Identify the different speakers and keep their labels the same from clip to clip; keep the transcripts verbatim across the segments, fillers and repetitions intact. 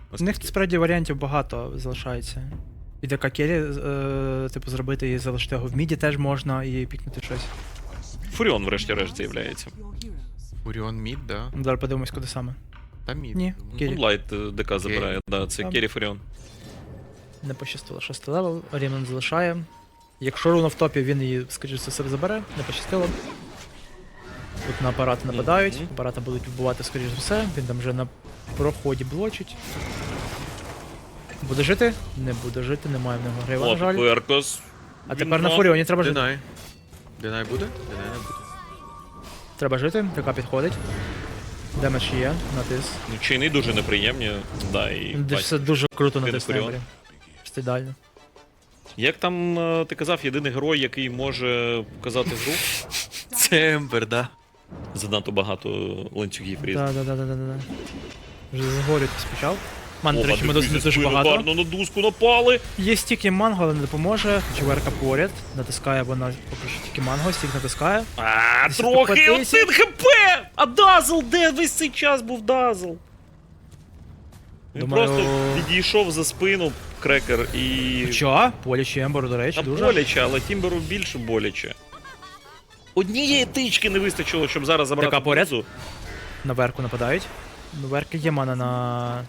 Speaker 1: У них справді варіантів багато залишається. І ДК Келі, е, типу, зробити і залишити його в міді теж можна, і пікнути щось.
Speaker 2: Фуріон, врешті-решт, з'являється.
Speaker 3: Фуріон мід, да?
Speaker 1: Ну, зараз подивимось, куди саме.
Speaker 3: Та мід.
Speaker 1: Ні, Келі.
Speaker 2: Мунлайт е, ДК забирає, да, це
Speaker 1: Там.
Speaker 2: Керрі Фуріон.
Speaker 1: Не пощастило. Шостий левел, Рімон залишає. Якщо руна в топі, він її, скоріше за все, забере, не пощастило. Тут на апарати нападають,
Speaker 2: Мгм.
Speaker 1: апарати будуть вбивати, скоріш за все, він там вже на проході блочить. Буде жити? Не буде жити, немає в нього грива, на
Speaker 2: От,
Speaker 1: жаль.
Speaker 2: Веркос.
Speaker 1: А тепер на Фуріоні треба жити.
Speaker 3: Динай. Динай буде? Динай не буде.
Speaker 1: Треба жити, ТК підходить. Демедж є, натис.
Speaker 2: Ну, чайни дуже неприємні, да, і...
Speaker 1: Де
Speaker 2: бать.
Speaker 1: все дуже круто
Speaker 2: Він
Speaker 1: натис на
Speaker 2: Фуріон.
Speaker 1: Ембері. Просто ідеально.
Speaker 2: Як там е, ти казав, єдиний герой, який може показати гру?
Speaker 3: Це Ембер, да.
Speaker 2: Занадто багато ланцюгів різних.
Speaker 1: Да, да, да, да, да, да. Вже загорювати спочав. Ман, до
Speaker 2: Опа,
Speaker 1: речі, ми досить
Speaker 2: дивись,
Speaker 1: дуже
Speaker 2: спину
Speaker 1: багато.
Speaker 2: гарно на дуску напали.
Speaker 1: Є стік і манго, але не допоможе. Чверка поряд. Натискає вона поки що тільки манго, стік натискає.
Speaker 2: А,
Speaker 1: Десь
Speaker 2: трохи,
Speaker 1: покотився.
Speaker 2: один хп! А Дазл, де весь цей час був Дазл? Він
Speaker 1: Думаю-
Speaker 2: просто відійшов за спину крекер і...
Speaker 1: Що? Боляче Емберу, до речі,
Speaker 2: Та
Speaker 1: дуже.
Speaker 2: боляче, але Тімберу більше боляче. Однієї тички не вистачило, щоб зараз забрати
Speaker 1: Така поряд.
Speaker 2: базу.
Speaker 1: На верку нападають. На верки є мана на,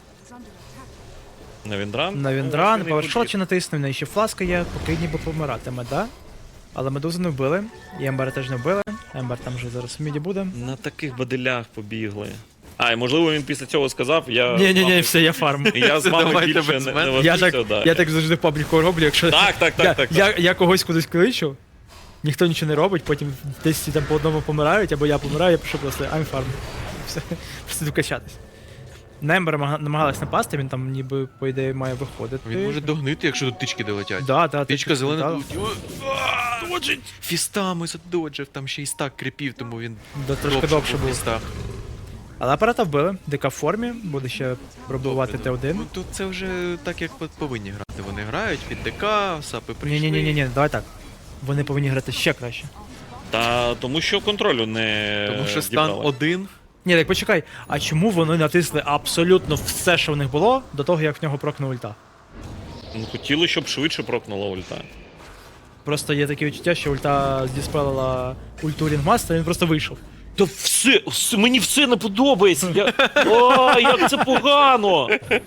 Speaker 2: На Віндран?
Speaker 1: на Віндран, павершот чи натиснув, в неї ще фласка є, поки ніби помиратиме, да? Але медузу не вбили, і Ембера теж не вбили. Ембер там вже зараз в міді буде.
Speaker 2: На таких баделях побігли. А, і можливо він після цього сказав, я...
Speaker 1: Ні-ні-ні, все, я фарм.
Speaker 2: Я з вами
Speaker 3: Давайте
Speaker 2: більше
Speaker 3: без
Speaker 2: не,
Speaker 3: мене.
Speaker 2: не
Speaker 1: Я
Speaker 2: вожуся,
Speaker 1: так,
Speaker 2: да.
Speaker 1: я так завжди в пабліку роблю, якщо
Speaker 2: Так, так, так,
Speaker 1: я,
Speaker 2: так, так.
Speaker 1: я, я когось кудись кличу, ніхто нічого не робить, потім десь всі там по одному помирають, або я помираю, я пишу просто I'm farm. Все, просто йду качатись. На Ембера намагалась напасти, він там ніби, по ідеї, має виходити.
Speaker 3: Він може догнити, якщо тут тички долетять.
Speaker 1: Да, да,
Speaker 3: Тичка зелена
Speaker 1: да.
Speaker 3: тут. Доджить! Фістами задоджив, там ще й стак кріпів, тому він
Speaker 1: Да, трошки довше
Speaker 3: в
Speaker 1: був.
Speaker 3: фістах.
Speaker 1: Але апарата вбили, ДК в формі, буде ще пробувати Т один.
Speaker 3: Ну тут це вже так, як повинні грати. Вони грають під ДК, сапи прийшли.
Speaker 1: Ні-ні-ні, давай так. Вони повинні грати ще краще.
Speaker 2: Та тому що контролю не
Speaker 3: Тому що стан
Speaker 2: дібрали.
Speaker 3: один.
Speaker 1: Ні, так почекай, а чому вони натисли абсолютно все, що в них було, до того, як в нього прокне ульта?
Speaker 2: Ну, хотіли, щоб швидше прокнула ульта.
Speaker 1: Просто є таке відчуття, що ульта здіспелила ульту Рінгмастера, він просто вийшов.
Speaker 2: Та все, все, мені все не подобається. Я... О, як це погано!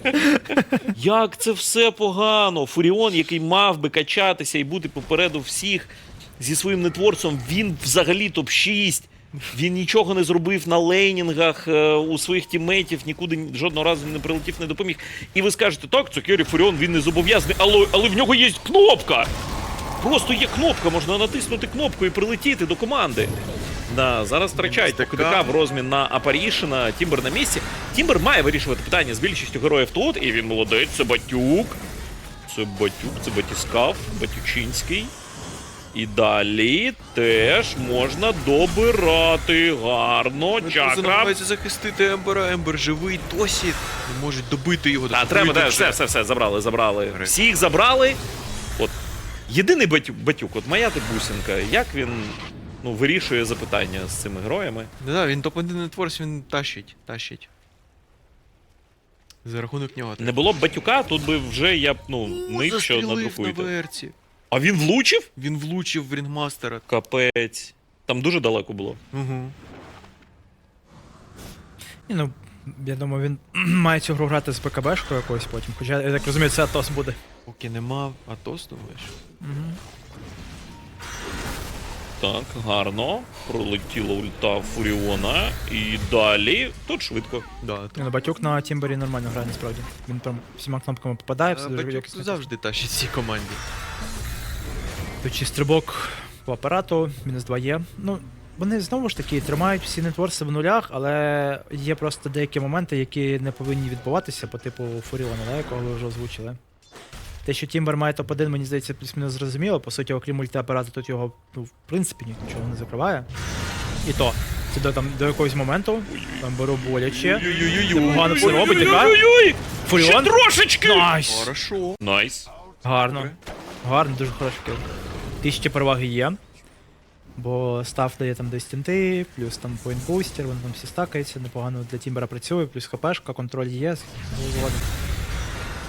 Speaker 2: Як це все погано! Фуріон, який мав би качатися і бути попереду всіх зі своїм нетворцем, він взагалі топ шість. Він нічого не зробив на лейнінгах е, у своїх тіммейтів, нікуди ні- жодного разу не прилетів, не допоміг. І ви скажете, так, це Керрі Фуріон, він не зобов'язаний, але, але в нього є кнопка! Просто є кнопка, можна натиснути кнопку і прилетіти до команди. Да, зараз втрачають поки ДК в розмін на Апарішина, Тімбер на місці. Тімбер має вирішувати питання з більшістю героїв тут, і він молодець, це Батюк. Це Батюк, це Батіскав, Батючинський. І далі теж можна добирати гарно. Чакра.
Speaker 3: Намагається захистити Ембера, Ембер живий досі. Не можуть добити його.
Speaker 2: А треба,
Speaker 3: добити
Speaker 2: да,
Speaker 3: вже.
Speaker 2: все, все, все, забрали, забрали.
Speaker 3: Гри.
Speaker 2: Всіх забрали. От. Єдиний Батюк, Батюк, от моя ти бусинка, як він ну, вирішує запитання з цими героями.
Speaker 3: Да, да, він топ один нетворс, він тащить, тащить. За рахунок нього.
Speaker 2: Не було б Батюка, тут би вже я б, ну, нив, що
Speaker 3: Застрілив на
Speaker 2: надрукуєте.
Speaker 3: верці.
Speaker 2: А він влучив?
Speaker 3: Він влучив в Рінгмастера.
Speaker 2: Капець. Там дуже далеко було.
Speaker 3: Угу.
Speaker 1: Ні, ну, я думаю, він має цю гру грати з БКБшкою якоюсь потім. Хоча, я так розумію, це Атос буде.
Speaker 3: Поки нема Атос, думаєш?
Speaker 1: Угу.
Speaker 2: Так, гарно. Пролетіла ульта Фуріона. І далі. Тут швидко.
Speaker 3: Да,
Speaker 1: Ні, ну, Батюк на Тімбері нормально грає, насправді. Він прям всіма кнопками попадає, все дуже
Speaker 3: Батюк
Speaker 1: якісно.
Speaker 3: завжди тащить цій команді.
Speaker 1: Тут ще стрибок по апарату, мінус два є. Ну, вони знову ж таки тримають всі нетворси в нулях, але є просто деякі моменти, які не повинні відбуватися, по типу Фуріона, да, якого ви вже озвучили. Те, що Тімбер має топ один, мені здається, плюс-мінус зрозуміло. По суті, окрім ульти апарату, тут його, ну, в принципі, нічого не закриває. І то, це до, там, до якогось моменту, там беру боляче. Непогано все робить, яка?
Speaker 2: Ой-ой-ой! Ще
Speaker 1: Фуріон?
Speaker 2: трошечки!
Speaker 1: Найс!
Speaker 3: Хорошо.
Speaker 2: Найс.
Speaker 1: Гарно. Гарно, дуже хороший кіл. Тисячі переваги є. Бо став дає там десь тінти, плюс там поінт-бустер, вони там всі стакаються, непогано для Тімбера працює, плюс хпшка, контроль є, згодом.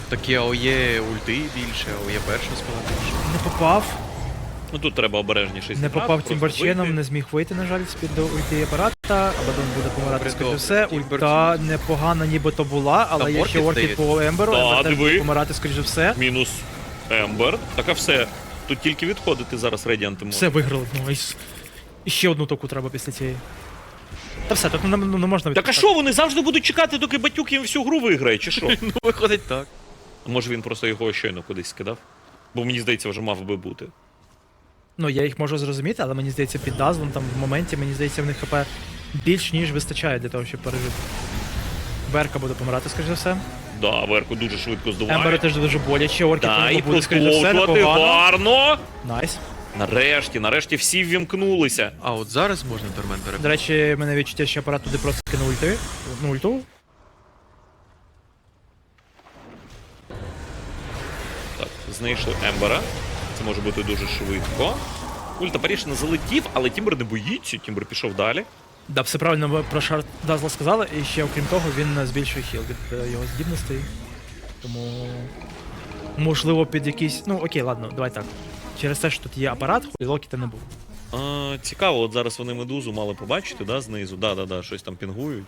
Speaker 3: Такі АОЄ ульти більше, АОЄ перша спала більше.
Speaker 1: Не попав.
Speaker 2: Ну тут треба обережніше
Speaker 1: Не
Speaker 2: зіграти,
Speaker 1: попав
Speaker 2: просто
Speaker 1: Тімберченом,
Speaker 2: вийти.
Speaker 1: не зміг вийти, на жаль, з-під до ульти апарата. Абадон буде помирати, скоріше
Speaker 3: Добре,
Speaker 1: все.
Speaker 3: Тімбер
Speaker 1: Ульта непогана нібито була, але
Speaker 3: Там
Speaker 1: є ще
Speaker 3: Оркід
Speaker 1: оркід
Speaker 3: здається.
Speaker 1: по Емберу.
Speaker 2: Да,
Speaker 1: Ембер теж
Speaker 2: диви.
Speaker 1: буде помирати, скоріше все.
Speaker 2: Мінус Ембер. Так а все. Тут тільки відходити зараз Radiant
Speaker 1: Все виграли. Ну, і, с- і ще одну току треба після цієї. Та все, тут не, не, не можна
Speaker 2: Так а
Speaker 1: відпускати.
Speaker 2: що, вони завжди будуть чекати, доки Батюк їм всю гру виграє, чи що?
Speaker 3: Ну, виходить так.
Speaker 2: Може він просто його щойно кудись скидав? Бо мені здається, вже мав би бути.
Speaker 1: Ну, я їх можу зрозуміти, але мені здається, під Дазлом там в моменті, мені здається, в них ХП більш ніж вистачає для того, щоб пережити. Берка буде помирати, скоріше за все.
Speaker 2: Да, Верку дуже швидко здуває.
Speaker 1: Емберу теж дуже боляче, оркід
Speaker 2: Да, і
Speaker 1: буде, скоріше за все,
Speaker 2: проскочувати
Speaker 1: непогано.
Speaker 2: гарно.
Speaker 1: Найс.
Speaker 2: Нарешті, нарешті всі ввімкнулися.
Speaker 3: А от зараз можна Тормент перебити.
Speaker 1: До речі, в мене відчуття, що апарат туди просто кинув ульти. Ну, ульту.
Speaker 2: Так, знайшли Ембера. Це може бути дуже швидко. Ульта Паріж не залетів, але Тімбер не боїться. Тімбер пішов далі.
Speaker 1: Да, все правильно ви про шарт Дазла сказали, і ще окрім того, він збільшує хіл від е, його здібностей. Тому. Можливо, під якийсь. Ну окей, ладно, давай так. Через те, що тут є апарат, і локіта не було.
Speaker 2: А, цікаво, от зараз вони медузу мали побачити, да, знизу. Да-да-да, щось там пінгують.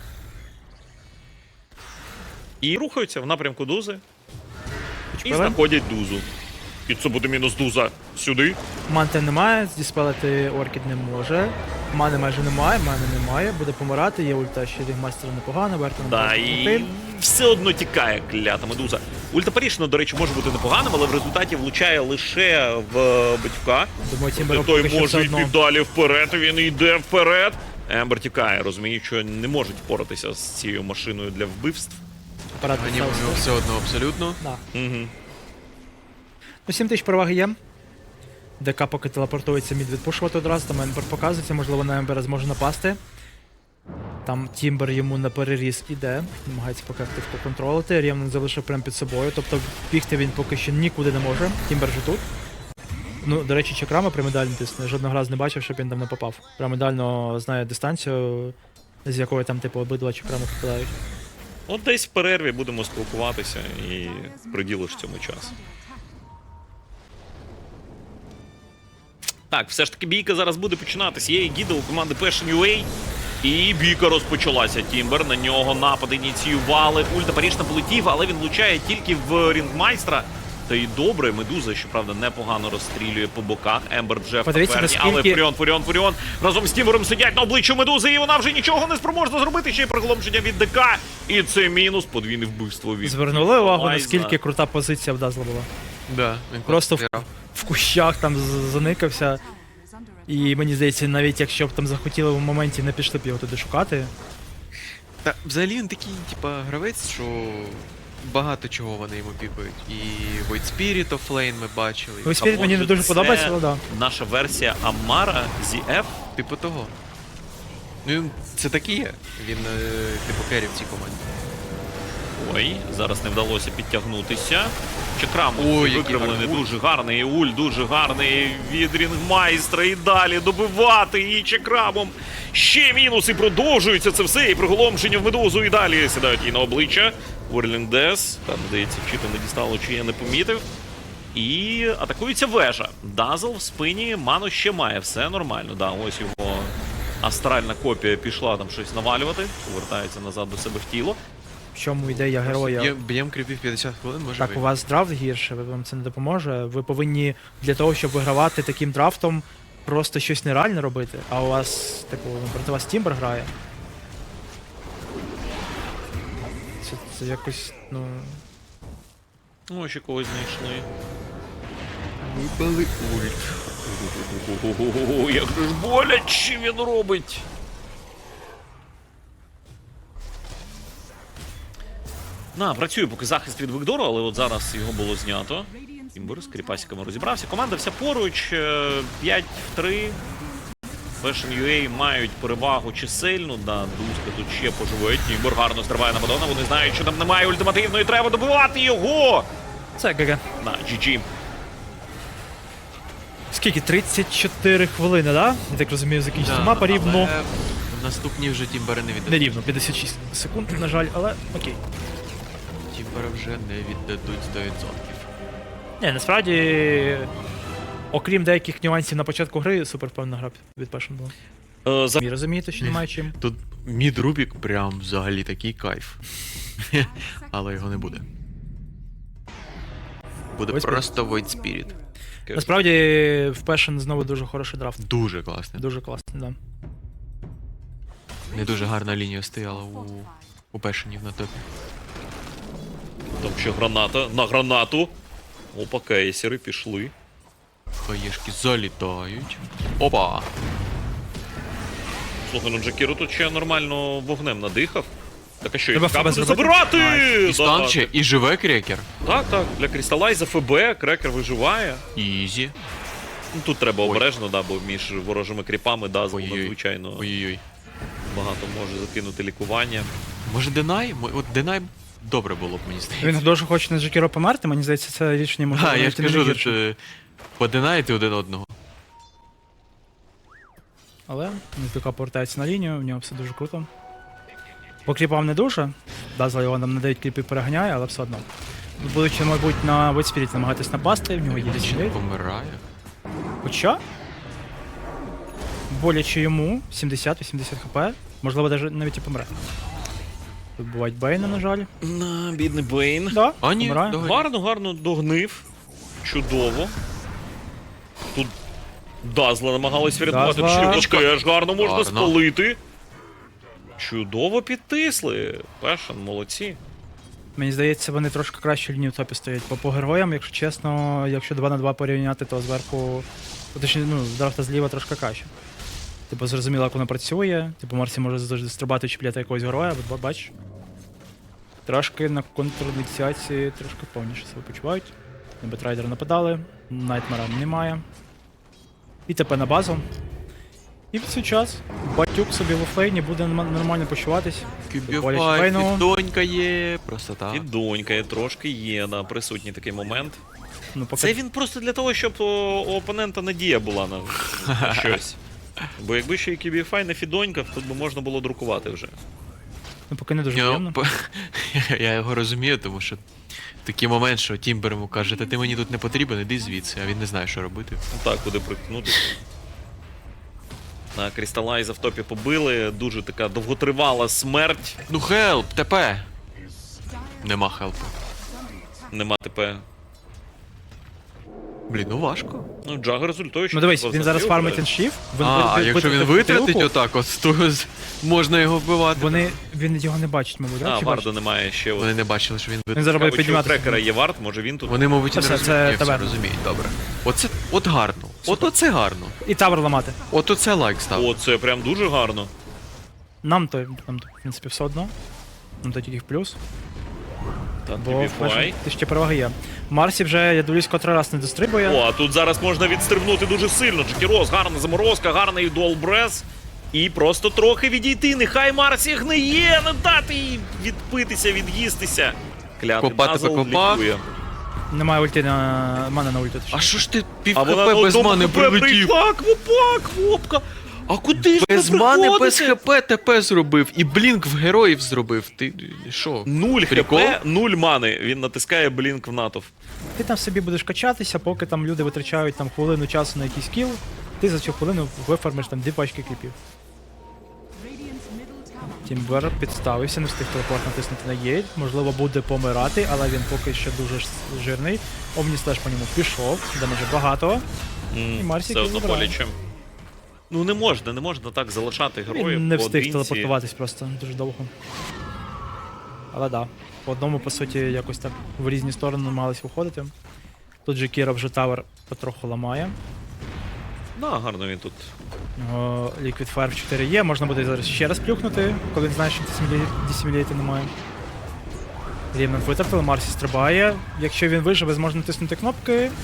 Speaker 2: І рухаються в напрямку дузи. І
Speaker 1: Певен?
Speaker 2: знаходять дузу. І це буде мінус дуза. Сюди.
Speaker 1: Манти немає, здіспелити оркід не може. Мани майже немає, мани немає, буде помирати, є ульта ще рігмастера непогана, Берта не
Speaker 2: Да,
Speaker 1: може
Speaker 2: і
Speaker 1: допомогти.
Speaker 2: все одно тікає клята медуза. Ульта Паріж, ну, до речі, може бути непоганим, але в результаті влучає лише в Батька.
Speaker 1: Думаю, Тімбер
Speaker 2: Той
Speaker 1: поки що все
Speaker 2: може йти
Speaker 1: одно.
Speaker 2: далі вперед, і він йде вперед. Ембер тікає, розуміє, що не можуть впоратися з цією машиною для вбивств.
Speaker 1: Апарат
Speaker 3: Мені у
Speaker 1: підставився.
Speaker 3: нього все одно абсолютно.
Speaker 1: Да.
Speaker 2: Угу.
Speaker 1: Ну, сім тисяч переваги є. ДК поки телепортується мід відпушувати одразу, там Ембер показується, можливо, на Ембера зможе напасти. Там Тімбер йому на переріз іде, намагається поки актив поконтролити, Рєвнен залишив прямо під собою, тобто бігти він поки що нікуди не може, Тімбер же тут. Ну, до речі, Чакрама пірамідально тисне, жодного разу не бачив, щоб він там не попав. Пірамідально знає дистанцію, з якої там, типу, обидва Чакрами попадають.
Speaker 2: От десь в перерві будемо спілкуватися і приділиш цьому час. Так, все ж таки бійка зараз буде починатися. Є гіда у команди Passion ю ей. І бійка розпочалася. Тімбер на нього напад ініціювали. Ульта Паріж не полетів, але він влучає тільки в рінгмайстра. Та й добре, Медуза, щоправда, непогано розстрілює по боках. Ембер вже в
Speaker 1: Подивіться,
Speaker 2: таверні,
Speaker 1: наскільки-
Speaker 2: але Фуріон, Фуріон, Фуріон разом з Тімбером сидять на обличчю Медузи, і вона вже нічого не спроможна зробити. Ще й приголомшення від ДК. І це мінус, подвійне вбивство від
Speaker 1: Звернули увагу,
Speaker 2: Майзна.
Speaker 1: наскільки крута позиція в Дазла була.
Speaker 3: Да, він
Speaker 1: Просто в,
Speaker 3: грав.
Speaker 1: в кущах там з- заникався. І мені здається, навіть якщо б там захотіли в моменті, не пішли б його туди шукати.
Speaker 3: Та взагалі він такий, типа, гравець, що багато чого вони йому пікають. І Void Spirit of Lane ми бачили.
Speaker 1: Void Spirit мені не дуже
Speaker 2: Це
Speaker 1: подобається, але да.
Speaker 2: наша версія Амара зі еф.
Speaker 3: Типу того. Ну, він- це такий є. Він, е, типу, керрі в цій команді.
Speaker 2: Ой, зараз не вдалося підтягнутися. Чакрам
Speaker 3: Ой, який
Speaker 2: викривлений,
Speaker 3: гарний ульт.
Speaker 2: дуже гарний. Уль дуже гарний від рінгмайстра. І далі добивати її чакрамом. Ще мінуси продовжується це все. І приголомшення в Медузу. І далі сідають їй на обличчя. Whirling Death. Там, здається, чи то не дістало, чи я не помітив. І атакується вежа. Дазл в спині, ману ще має, все нормально. Да, ось його астральна копія пішла там щось навалювати. Повертається назад до себе в тіло.
Speaker 1: В чому ідея героя?
Speaker 3: Б'єм, б'єм кріпів п'ятдесят хвилин, може
Speaker 1: Так, у
Speaker 3: вийти.
Speaker 1: вас драфт гірше, ви- вам це не допоможе. Ви повинні для того, щоб вигравати таким драфтом, просто щось нереальне робити. А у вас, типу, ну, проти вас Тімбер грає. Це, це якось, ну.
Speaker 2: Ну, ще когось знайшли.
Speaker 3: Випали ульт.
Speaker 2: Ого, як же ж боляче він робить. На, працює поки захист від Вигдору, але от зараз його було знято. Тімбер з кріпасиками розібрався. Команда вся поруч. е, п'ять в три. Passion ю ей мають перевагу чисельну. Да, Дузка тут ще поживе. Тімбер гарно стриває на Мадонна. Вони знають, що там немає ультимативної. Треба добивати його.
Speaker 1: Це ГГ.
Speaker 2: На, джі джі.
Speaker 1: Скільки? тридцять чотири хвилини, да? Я так розумію, закінчиться
Speaker 3: Да,
Speaker 1: мапа рівно.
Speaker 3: але Наступні вже тімбери не віддадуть.
Speaker 1: Не рівно, п'ятдесят шість секунд, на жаль, але окей.
Speaker 3: Тімбера вже не віддадуть сто відсотків.
Speaker 1: Ні, насправді, окрім деяких нюансів на початку гри, супер впевнена гра від Passion була.
Speaker 2: Е, за...
Speaker 1: Ви розумієте, що немає чим.
Speaker 3: Тут мід Рубік прям взагалі такий кайф. Але його не буде. Буде
Speaker 1: Void Spirit.
Speaker 3: просто Void Spirit.
Speaker 1: Насправді, в Passion знову дуже хороший драфт.
Speaker 3: Дуже класний.
Speaker 1: Дуже класний, да.
Speaker 3: Не дуже гарна лінія стояла у, у Пешенів на топі.
Speaker 2: Там ще граната. На гранату. Опа, кейсери пішли.
Speaker 3: Хаєшки залітають. Опа!
Speaker 2: Слухай, ну Джакіро тут ще нормально вогнем надихав. Так а що,
Speaker 1: Треба
Speaker 2: їх
Speaker 1: ФБ
Speaker 2: буде
Speaker 1: зробити?
Speaker 2: забирати?
Speaker 3: І
Speaker 2: Да,
Speaker 3: стан ще, і живе крекер.
Speaker 2: Так, так, для Крісталайза ФБ, крекер виживає.
Speaker 3: Ізі.
Speaker 2: Ну тут треба
Speaker 3: Ой.
Speaker 2: обережно, да, бо між ворожими кріпами Дазл
Speaker 3: Ой-ой-ой.
Speaker 2: надзвичайно
Speaker 3: Ой-ой-ой.
Speaker 2: багато може закинути лікування.
Speaker 3: Може Денай? Мо- От Денай добре було б, мені здається.
Speaker 1: Він дуже хоче на Джекіро померти, мені здається, це рішення може
Speaker 3: А, я ж
Speaker 1: навіть і не
Speaker 3: кажу,
Speaker 1: найгірше.
Speaker 3: от, е, подинайте один одного.
Speaker 1: Але Ніздука повертається на лінію, в нього все дуже круто. По кліпам не дуже. Дазл його нам на дев'ять кліпів переганяє, але все одно. Будучи, мабуть, на Void Spirit намагатись напасти, в нього є
Speaker 3: Чи
Speaker 1: лічний.
Speaker 3: помирає?
Speaker 1: Хоча боляче йому сімдесят-вісімдесят хп, можливо, даже навіть і помре. Тут бувають Бейна, на жаль.
Speaker 2: На, бідний Бейн.
Speaker 1: Да,
Speaker 3: А, ні,
Speaker 1: помирає.
Speaker 3: давай.
Speaker 2: Гарно, гарно догнив. Чудово. Тут Дазла намагалась врятувати.
Speaker 1: Дазла.
Speaker 2: Чого теж гарно можна
Speaker 3: Гарно.
Speaker 2: спалити. Чудово підтисли. Пешен, молодці.
Speaker 1: Мені здається, вони трошки краще лінію в топі стоять. Бо по героям, якщо чесно, якщо два на два порівняти, то зверху. Точніше, ну, з драфта зліва трошки краще. Типу, зрозуміло, як воно працює. Типу, Марсі може завжди стрибати чіпляти якогось героя, от бач. Трошки на контрдикціації трошки повніше себе почувають. На Бетрайдера нападали, Найтмера немає. І ТП на базу. І в цей час Батюк собі в офлейні буде норм- нормально почуватись. Боляче
Speaker 3: Кюбіфай,
Speaker 1: Бейну.
Speaker 3: донька є, просто
Speaker 2: І
Speaker 3: так.
Speaker 2: донька є, трошки є, да, присутній такий момент.
Speaker 1: Ну, поки...
Speaker 2: Це він просто для того, щоб о, у опонента надія була на, на щось. Бо якби ще і Кібіфай не фідонькав, тут би можна було друкувати вже.
Speaker 1: ну, поки не дуже
Speaker 3: Ну,
Speaker 1: приємно.
Speaker 3: п- я його розумію, тому що такий момент, що Тімбер йому каже, та ти мені тут не потрібен, іди звідси, а він не знає, що робити.
Speaker 2: Ну так, куди приткнутися. На Крісталайза в топі побили, дуже така довготривала смерть.
Speaker 3: Ну хелп, ТП! Нема хелпу.
Speaker 2: Нема ТП.
Speaker 3: Блін, ну важко.
Speaker 2: Ну, Джага результує, що
Speaker 1: Ну дивись,
Speaker 2: просто
Speaker 1: він зараз
Speaker 2: застріл
Speaker 1: фармить
Speaker 2: грає.
Speaker 1: іншів.
Speaker 3: А, а якщо він витратить отак, от, то з- можна його вбивати.
Speaker 1: Вони, він його не бачить, мабуть, да?
Speaker 2: А,
Speaker 1: Чи
Speaker 2: Варда
Speaker 1: бачить?
Speaker 2: немає ще. От.
Speaker 3: Вони не бачили, що він
Speaker 1: Він
Speaker 3: витратить.
Speaker 1: зараз буде
Speaker 2: Мабуть, що у
Speaker 1: підніматися.
Speaker 2: трекера є вард, може він тут.
Speaker 3: Вони, мабуть, і не
Speaker 1: Це все,
Speaker 3: розуміють,
Speaker 1: це
Speaker 3: Ні, все
Speaker 1: таверна.
Speaker 3: розуміють, добре. Оце, от гарно. От оце гарно.
Speaker 1: І тавер ламати.
Speaker 3: От оце лайк став.
Speaker 2: О, це прям дуже гарно.
Speaker 1: Нам то, нам то, в принципі, все одно. Нам то тільки в плюс.
Speaker 2: Так,
Speaker 1: Бо в
Speaker 2: Кібіфай.
Speaker 1: першій ти ще переваги є. Марсі вже, я дивлюсь, котрий раз не дострибує.
Speaker 2: О, а тут зараз можна відстрибнути дуже сильно. Джекірос, гарна заморозка, гарний дуалбрез. І просто трохи відійти. Нехай Марсі гниє, не дати їй відпитися, від'їстися. Клятий
Speaker 3: Копати
Speaker 2: Дазл
Speaker 3: покопав.
Speaker 2: лікує.
Speaker 1: Немає ульти на мана на ульту.
Speaker 3: А що ж ти пів
Speaker 2: А вона
Speaker 3: хп
Speaker 2: на
Speaker 3: без
Speaker 2: одному
Speaker 3: мани
Speaker 2: ХП
Speaker 3: прилетів?
Speaker 2: прийшла, квопак, квопка. А куди ж
Speaker 3: Без
Speaker 2: ви
Speaker 3: мани, без
Speaker 2: приходите?
Speaker 3: хп ТП зробив, і блінк в героїв зробив. Ти що?
Speaker 2: Нуль
Speaker 3: Прикол?
Speaker 2: хп, нуль мани. Він натискає блінк в натовп.
Speaker 1: Ти там собі будеш качатися, поки там люди витрачають там хвилину часу на якийсь кіл, ти за цю хвилину вифармиш там дві пачки кліпів. Тімбер підставився, не встиг телепорт натиснути на єйт. Можливо, буде помирати, але він поки що дуже ж- жирний. Омніслеш по ньому пішов, дамаже багато.
Speaker 2: М,
Speaker 1: І Марсік
Speaker 2: Все одно
Speaker 1: забирає.
Speaker 2: боляче. Ну не можна, не можна так залишати героїв.
Speaker 1: Він не встиг
Speaker 2: поодинці.
Speaker 1: телепортуватись просто дуже довго. Але да, по одному, по суті, якось так в різні сторони намагались виходити. Тут же Кіра вже тавер потроху ламає.
Speaker 2: Да, гарно він тут.
Speaker 1: У нього Liquid Fire в чотири є, можна буде зараз ще раз плюхнути, коли він знає, що десіміліти немає. Рівнем витратили, Марсі стрибає. Якщо він виживе, зможе натиснути кнопки.
Speaker 2: М,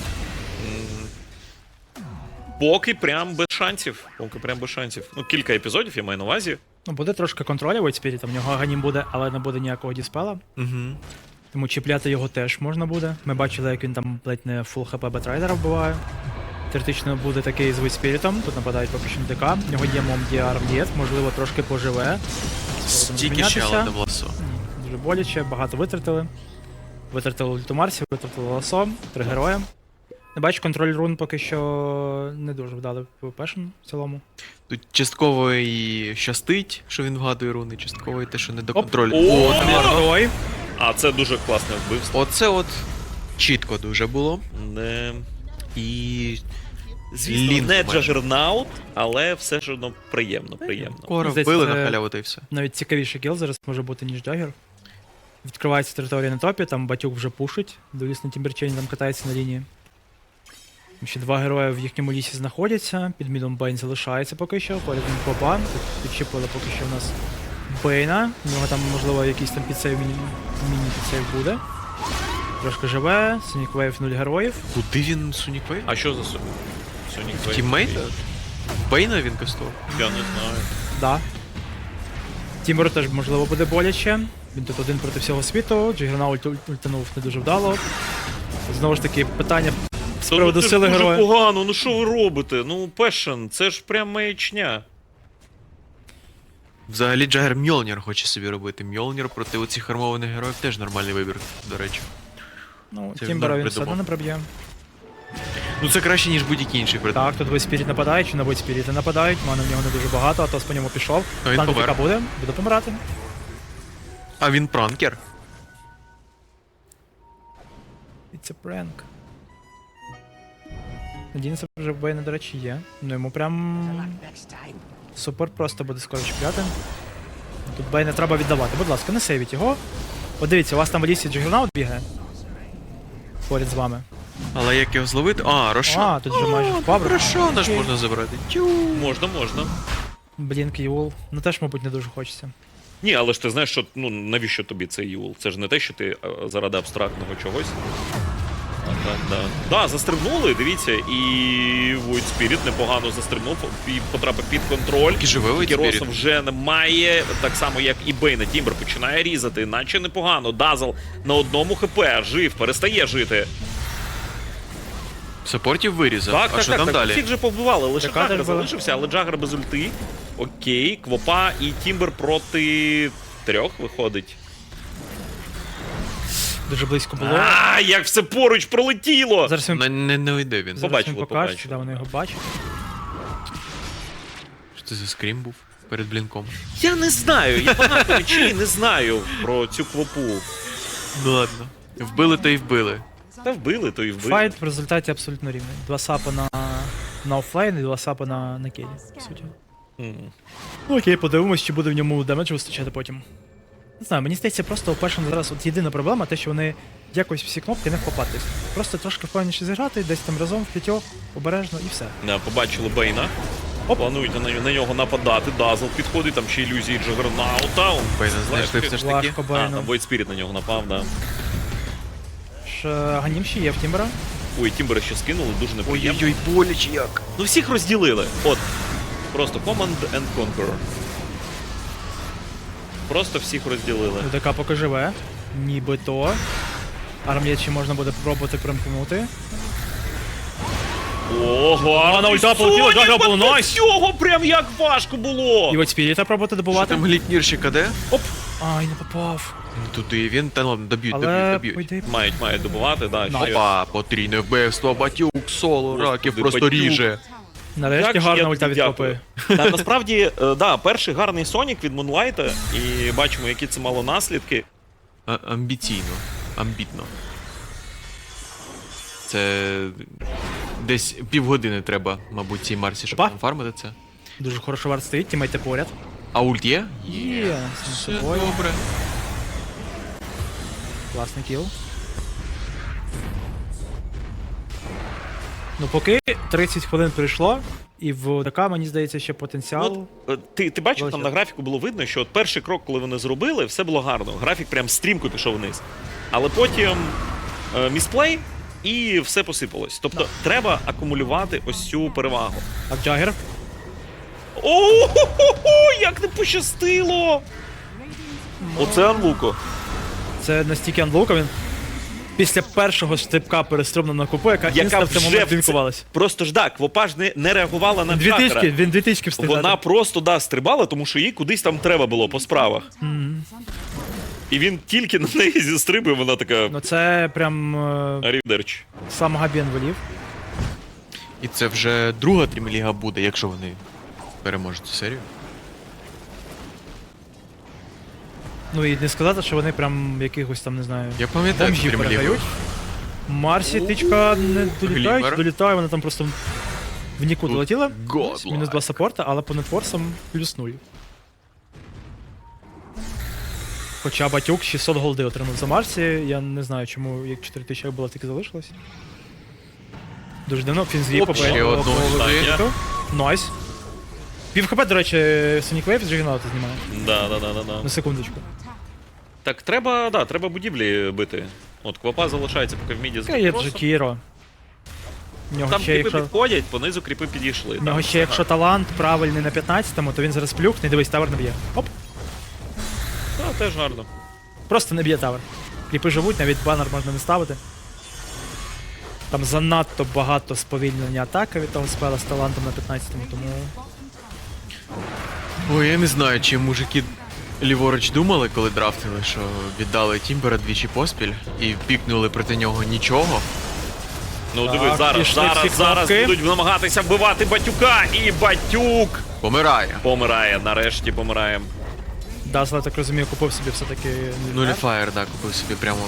Speaker 2: Поки прям без шансів. Поки прям без шансів. Ну, кілька епізодів, я маю на увазі.
Speaker 1: Ну, буде трошки контролю Void Spirit, в нього аганім буде, але не буде ніякого діспела.
Speaker 3: Угу.
Speaker 1: Тому чіпляти його теж можна буде. Ми бачили, як він там ледь не фул хп Бетрайдера вбиває. Теоретично буде такий з Void Spirit, тут нападають поки що на ДК. В нього є Мом Діар М'єт, можливо, трошки поживе.
Speaker 3: Стільки ще, але не в ласо.
Speaker 1: Ні, дуже боляче, багато витратили. Витратили ульту Марсі, витратили ласо, три героя. Не бачу, контроль рун поки що не дуже вдали пешен в цілому.
Speaker 3: Тут частково і щастить, що він вгадує руни, частково і те, що не до
Speaker 1: Оп.
Speaker 3: контролю.
Speaker 2: О,
Speaker 3: О,
Speaker 2: там
Speaker 3: от,
Speaker 1: Герой.
Speaker 2: А це дуже класне вбивство.
Speaker 3: оце от чітко дуже було.
Speaker 2: Не...
Speaker 3: І
Speaker 2: Звісно,
Speaker 3: Лінк
Speaker 2: не
Speaker 3: майже.
Speaker 2: джагернаут, але все ж одно приємно, приємно.
Speaker 3: Кора
Speaker 1: Здається,
Speaker 3: вбили
Speaker 1: це-
Speaker 3: на халяву та й все.
Speaker 1: Навіть цікавіший кіл зараз може бути, ніж Джагер. Відкривається територія на топі, там Батюк вже пушить, Дуеліст на Тімберчейні там катається на лінії. Там ще два герої в їхньому лісі знаходяться, під мідом Бейн залишається поки що, поряд він попа, тут підчепили поки що в нас Бейна, у нього там можливо якийсь там підсейв, міні- міні-підсейв буде. Трошки живе, Sonic Wave нуль героїв.
Speaker 3: Куди він Сонік Вейв?
Speaker 2: А що за собі? Сонік Вейв?
Speaker 3: Тіммейта? Бейна він кастував?
Speaker 2: Я не знаю.
Speaker 1: Да. Тімуру теж можливо буде боляче. Він тут один проти всього світу, Джигернаут ульт- ультанув не дуже вдало. Знову ж таки, питання з
Speaker 2: Та
Speaker 1: приводу
Speaker 2: ну, це ж
Speaker 1: сили
Speaker 2: дуже
Speaker 1: героя.
Speaker 2: погано, ну що ви робите? Ну, Пешен, це ж прям маячня.
Speaker 3: Взагалі Джагер Мьолнір хоче собі робити. Мьолнір проти оцих армованих героїв теж нормальний вибір, до речі.
Speaker 1: Ну,
Speaker 3: Це
Speaker 1: Тімбера
Speaker 3: він
Speaker 1: він все одно
Speaker 3: придумав.
Speaker 1: не проб'є.
Speaker 3: Ну це краще, ніж будь-який інший предмет.
Speaker 1: Так, тут Войспіріт нападає, чи на Войспіріти нападають, мана в нього не дуже багато, Атос по ньому пішов.
Speaker 3: А він
Speaker 1: Танк
Speaker 3: помер.
Speaker 1: яка буде, буде помирати.
Speaker 3: А він пранкер.
Speaker 1: It's a prank. Надіємося, вже в Бейна, до речі, є. Ну йому прям супер просто буде скоро чіпляти. Тут Бейна треба віддавати. Будь ласка, не сейвіть його. От дивіться, у вас там в лісі Джигернаут бігає. Поряд з вами.
Speaker 3: Але як його зловити? А, Рошан.
Speaker 1: А, тут вже майже впав.
Speaker 3: Рошана ж
Speaker 1: Окей.
Speaker 3: можна забрати. Тю.
Speaker 2: Можна, можна.
Speaker 1: Блінк Юл. Ну теж, мабуть, не дуже хочеться.
Speaker 2: Ні, але ж ти знаєш, що ну навіщо тобі цей юл? Це ж не те, що ти е, заради абстрактного чогось. Так, так, так. Да, застрибнули, дивіться, і Void Spirit непогано застрибнув і потрапив під контроль.
Speaker 3: Тільки живе Void
Speaker 2: Кіроса
Speaker 3: Spirit.
Speaker 2: вже немає, так само як і Бейна. Тімбер починає різати, наче непогано. Дазл на одному хп, жив, перестає жити.
Speaker 3: Саппортів вирізав.
Speaker 2: Так,
Speaker 3: а
Speaker 2: так,
Speaker 3: що
Speaker 2: так,
Speaker 3: там
Speaker 2: так.
Speaker 3: далі?
Speaker 2: Всіх же повбивали, лише
Speaker 1: Така
Speaker 2: Джагер
Speaker 1: теж була.
Speaker 2: залишився, але Джагер без ульти. Окей, Квопа і Тімбер проти трьох виходить.
Speaker 1: Дуже близько було.
Speaker 2: А, як все поруч пролетіло!
Speaker 1: Зараз він,
Speaker 3: Не, не, не уйде він.
Speaker 1: зараз
Speaker 2: побачили,
Speaker 1: він покаже,
Speaker 2: побачили.
Speaker 1: да, вони його бачать.
Speaker 3: Що це за скрім був перед блінком?
Speaker 2: Я не знаю, я багато речей не знаю про цю Квопу.
Speaker 3: Ну ладно. Вбили то й вбили.
Speaker 2: Та вбили, то і вбили.
Speaker 1: Файт в результаті абсолютно рівний. Два сапа на, на офлайн і два сапа на, на кейлі, по суті.
Speaker 2: М.
Speaker 1: Ну окей, подивимось, чи буде в ньому демедж вистачати потім. Не знаю, мені здається, просто у першому зараз от єдина проблема, те, що вони якось всі кнопки не вхопатись. Просто трошки впевненіше зіграти, десь там разом в п'ятьох, обережно і все.
Speaker 2: Да, побачили Бейна.
Speaker 1: Оп.
Speaker 2: Планують на, на нього нападати. Дазл підходить, там ще ілюзії Джагернаута. Он
Speaker 3: Бейна знайшли все ж таки.
Speaker 1: Важко
Speaker 2: А,
Speaker 1: Бейну.
Speaker 2: там Void Spirit на нього напав, да.
Speaker 1: Ж, Ганім ще є в Тімбера.
Speaker 2: Ой, Тімбера ще скинули, дуже неприємно.
Speaker 3: Ой-ой-ой, боляче як.
Speaker 2: Ну всіх розділили. От. Просто Command and Conqueror. Просто всіх розділили.
Speaker 1: ДК поки живе. Нібито. Армія ще можна буде пробувати примкнути.
Speaker 2: Ого,
Speaker 1: на ульта полетіла, Джагера було найс.
Speaker 2: Цього прям як важко було.
Speaker 1: І от Спіріта пробувати
Speaker 3: Що
Speaker 1: добувати.
Speaker 3: там глітнірщика де?
Speaker 1: Оп! Ай, не попав.
Speaker 3: Ну туди він, та ладно, доб'ють, доб'ють,
Speaker 1: Але
Speaker 3: доб'ють.
Speaker 1: пойди.
Speaker 2: Мають, мають добувати, да.
Speaker 1: Ну,
Speaker 2: ще-
Speaker 3: Опа, потрійне вбивство, батюк, соло,
Speaker 2: Господи,
Speaker 3: раків просто
Speaker 2: Батюк.
Speaker 3: ріже.
Speaker 1: Нарешті
Speaker 2: Як же
Speaker 1: гарна
Speaker 2: я
Speaker 1: ульта
Speaker 2: тобі
Speaker 1: від
Speaker 2: дякую.
Speaker 1: Копи.
Speaker 2: Та, насправді, е, да, перший гарний Сонік від Мунлайта, і бачимо, які це мало наслідки.
Speaker 3: А, амбіційно, амбітно. Це десь півгодини треба, мабуть, цій Марсі, щоб
Speaker 1: Опа.
Speaker 3: там фармити це.
Speaker 1: Дуже хорошо варт стоїть, тімейте поряд.
Speaker 3: А ульт є?
Speaker 1: Є, з
Speaker 3: Все
Speaker 1: собою.
Speaker 3: добре.
Speaker 1: Класний кіл. Ну поки тридцять хвилин пройшло, і в ДК, мені здається, ще потенціал.
Speaker 2: От, е, ти, ти бачив, там
Speaker 1: Величезно.
Speaker 2: на графіку було видно, що от перший крок, коли вони зробили, все було гарно. Графік прям стрімко пішов вниз. Але потім е, місплей і все посипалось. Тобто треба акумулювати ось цю перевагу.
Speaker 1: А Джагер?
Speaker 2: О-хо-хо-хо, як не пощастило! Оце Анлуко.
Speaker 1: Це настільки анлока, він після першого стрибка перестрибнув на купу, яка,
Speaker 2: Яка
Speaker 1: інста в цей
Speaker 2: вже
Speaker 1: момент
Speaker 2: в це-
Speaker 1: блінкувалась.
Speaker 2: Просто ж так, Квопа ж не, не реагувала на
Speaker 1: Дві
Speaker 2: Джагера.
Speaker 1: тички, він дві тички встиг
Speaker 2: Вона
Speaker 1: дати.
Speaker 2: просто да, стрибала, тому що їй кудись там треба було по справах.
Speaker 1: Мгм.
Speaker 2: І він тільки на неї зістрибує, вона така
Speaker 1: Ну це прям е,
Speaker 2: арівдерч.
Speaker 1: сам Габін волів.
Speaker 3: І це вже друга Трімліга буде, якщо вони переможуть цю серію.
Speaker 1: Ну і не сказати, що вони прям якихось там, не знаю,
Speaker 3: Я пам'ятаю цю
Speaker 1: бомжів
Speaker 3: Трімлігу.
Speaker 1: передають. Марсі тичка не долітають,
Speaker 3: Глімер.
Speaker 1: долітає, вона там просто в нікуди
Speaker 3: Тут
Speaker 1: летіла.
Speaker 3: Godlike.
Speaker 1: Мінус два саппорта, але по нетворсам плюс нуль. Хоча Батюк шістсот голди отримав за Марсі, я не знаю, чому як чотири тисячі як було, тільки залишилось. Дуже давно Фінзлі
Speaker 3: Оп, ще одну
Speaker 2: стаття.
Speaker 1: Найс. Пів хп, до речі, Sonic Wave з Джигернаута знімає.
Speaker 2: Да, да, да, да, да.
Speaker 1: На секундочку.
Speaker 2: Так, треба, да, треба будівлі бити. От Квапа залишається поки в міді з
Speaker 1: Яка є
Speaker 2: Докросом.
Speaker 1: Джекіро. В нього
Speaker 2: Там
Speaker 1: ще,
Speaker 2: кріпи
Speaker 1: якщо,
Speaker 2: підходять, понизу кріпи підійшли.
Speaker 1: в нього
Speaker 2: Там
Speaker 1: ще
Speaker 2: все
Speaker 1: якщо талант правильний на п'ятнадцятому, то він зараз плюхне, дивись, тавер не б'є. Оп,
Speaker 2: гарно. Та, теж гарно.
Speaker 1: просто не б'є тавер. Кліпи живуть, навіть банер можна не ставити. Там занадто багато сповільнення атаки від того спела з талантом на п'ятнадцятому, тому...
Speaker 3: Ой, я не знаю, чи мужики ліворуч думали, коли драфтили, що віддали Тімбера двічі поспіль і пікнули проти нього нічого.
Speaker 2: Ну
Speaker 1: Так,
Speaker 2: диви, зараз,
Speaker 1: пішли
Speaker 2: зараз,
Speaker 1: всі
Speaker 2: зараз
Speaker 1: кнопки.
Speaker 2: будуть намагатися вбивати Батюка, і Батюк
Speaker 3: Помирає.
Speaker 2: помирає, нарешті помирає.
Speaker 1: Дазла, я так розумію, купив собі все-таки...
Speaker 3: Нуліфаєр, так, купив собі прямо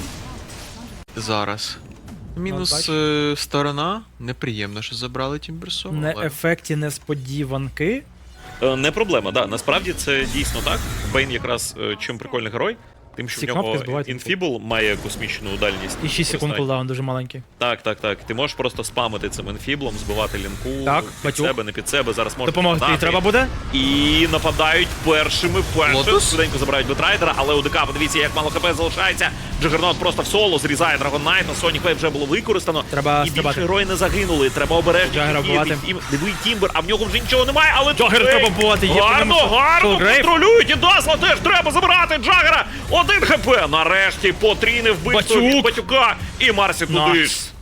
Speaker 3: зараз. Мінус
Speaker 1: бачиш.
Speaker 3: е, сторона. Неприємно, що забрали Тімберсо.
Speaker 1: Не
Speaker 3: але-
Speaker 1: ефекті несподіванки.
Speaker 2: Е, Не проблема, да. Насправді це дійсно так. Бейн якраз е, чим прикольний герой, тим, що
Speaker 1: Ці
Speaker 2: в нього
Speaker 1: кнопки збивають
Speaker 2: інфібл має космічну дальність.
Speaker 1: І шість секунд
Speaker 2: використання.
Speaker 1: кулдаун дуже маленький.
Speaker 2: Так, так, так. Ти можеш просто спамити цим інфіблом, збивати лінку
Speaker 1: Так,
Speaker 2: під
Speaker 1: Батюк.
Speaker 2: себе, не під себе. Зараз можна
Speaker 1: Допомогти їй треба буде?
Speaker 2: І нападають першими. Першим
Speaker 3: Лотус?
Speaker 2: швиденько забирають Бетрайдера, але у ДК, подивіться, як мало хп залишається. Джагернот просто в соло зрізає Dragon Knight, на Sonic Wave вже було використано.
Speaker 1: Треба
Speaker 2: і більше
Speaker 1: стрибати.
Speaker 2: герої не загинули. Треба обережно.
Speaker 1: Джагера вбивати.
Speaker 2: Диви Тімбер, а в нього вже нічого немає, але
Speaker 1: Джагер
Speaker 2: тут
Speaker 1: треба
Speaker 2: Грейв.
Speaker 1: вбивати, є по
Speaker 2: Гарно,
Speaker 1: ньому
Speaker 2: гарно
Speaker 1: Солгрейв.
Speaker 2: контролюють. І Дазла теж треба забирати Джагера. Один хп. Нарешті потрійне вбивство
Speaker 1: Батюк.
Speaker 2: від Батюка. І Марсі туди ж.
Speaker 1: Найс.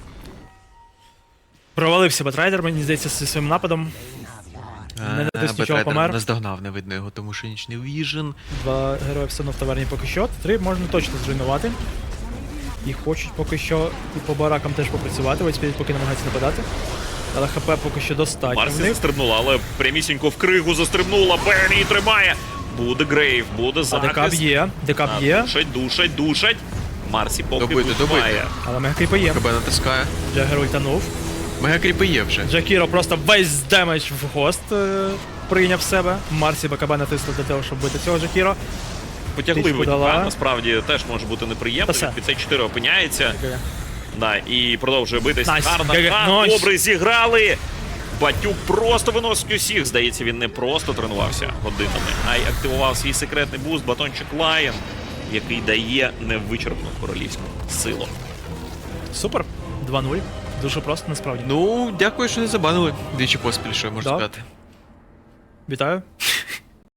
Speaker 1: Провалився Бетрайдер, мені здається, зі своїм нападом. Не натис нічого,
Speaker 3: Бетрайдер
Speaker 1: помер.
Speaker 3: наздогнав, не видно його, тому що нічний віжен.
Speaker 1: Два герої все одно в таверні поки що. Три можна точно зруйнувати. І хочуть поки що і по баракам теж попрацювати, ось поки намагаються нападати. Але хп поки що достатньо в
Speaker 2: Марсі
Speaker 1: них.
Speaker 2: застрибнула, але прямісінько в кригу застрибнула. Бен її тримає. Буде Грейв, буде
Speaker 1: А ДК
Speaker 2: захист.
Speaker 1: б'є, ДК
Speaker 2: А,
Speaker 1: б'є,
Speaker 2: Душать, душать, душать. Марсі поки
Speaker 3: Добити,
Speaker 2: вбиває.
Speaker 3: добити.
Speaker 1: але мегакріпи є.
Speaker 3: КБ натискає.
Speaker 1: Джагер ультанув.
Speaker 3: Мегакріпи є вже.
Speaker 1: Джакіро просто весь демедж в гост е, прийняв в себе. Марсі БКБ натиснув для того, щоб бити цього Джакіро.
Speaker 2: Потягли
Speaker 1: Тичку
Speaker 2: Батюка,
Speaker 1: дала.
Speaker 2: насправді теж може бути неприємно.
Speaker 1: Та все.
Speaker 2: Він під цей чотири опиняється. Да, і продовжує битись.
Speaker 1: Найс.
Speaker 2: Гарна
Speaker 1: Ге-ге.
Speaker 2: гра,
Speaker 1: Найс.
Speaker 2: добре зіграли. Батюк просто виносить усіх. Здається, він не просто тренувався годинами, а й активував свій секретний буст, батончик Лайон, який дає невичерпну королівську силу.
Speaker 1: Супер. два нуль. Дуже просто, насправді.
Speaker 3: Ну, дякую, що не забанили. Двічі поспіль, що я можу
Speaker 1: Да.
Speaker 3: сказати.
Speaker 1: Вітаю.